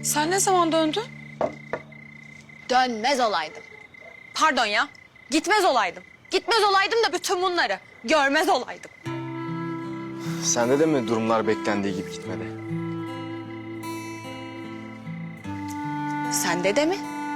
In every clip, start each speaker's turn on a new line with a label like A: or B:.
A: Sen ne zaman döndün?
B: Dönmez olaydım. Pardon ya. Gitmez olaydım. Gitmez olaydım da bütün bunları görmez olaydım.
C: Sende de mi durumlar beklendiği gibi gitmedi?
B: Sende de mi?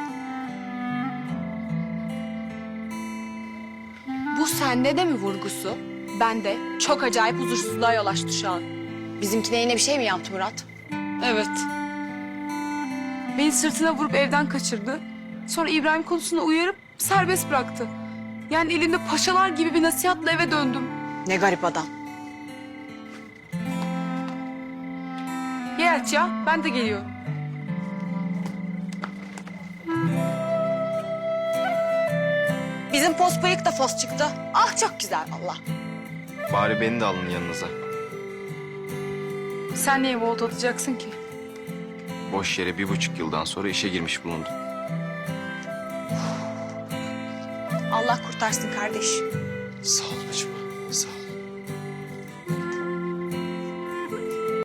B: Bu sende de mi vurgusu? Ben de çok acayip huzursuzluğa yol açtı şu an. Bizimkine yine bir şey mi yaptı Murat?
A: Evet. Beni sırtına vurup evden kaçırdı. Sonra İbrahim konusunda uyarıp serbest bıraktı. Yani elimde paşalar gibi bir nasihatla eve döndüm.
B: Ne garip adam.
A: Ye aç ya, ben de geliyorum.
B: Bizim pos bıyık da fos çıktı. Ah çok güzel valla.
C: Bari beni de alın yanınıza.
A: Sen niye volt atacaksın ki?
C: Boş yere 1,5 yıldan sonra işe girmiş bulundum.
B: Allah kurtarsın kardeş.
C: Sağ ol bacım, sağ ol.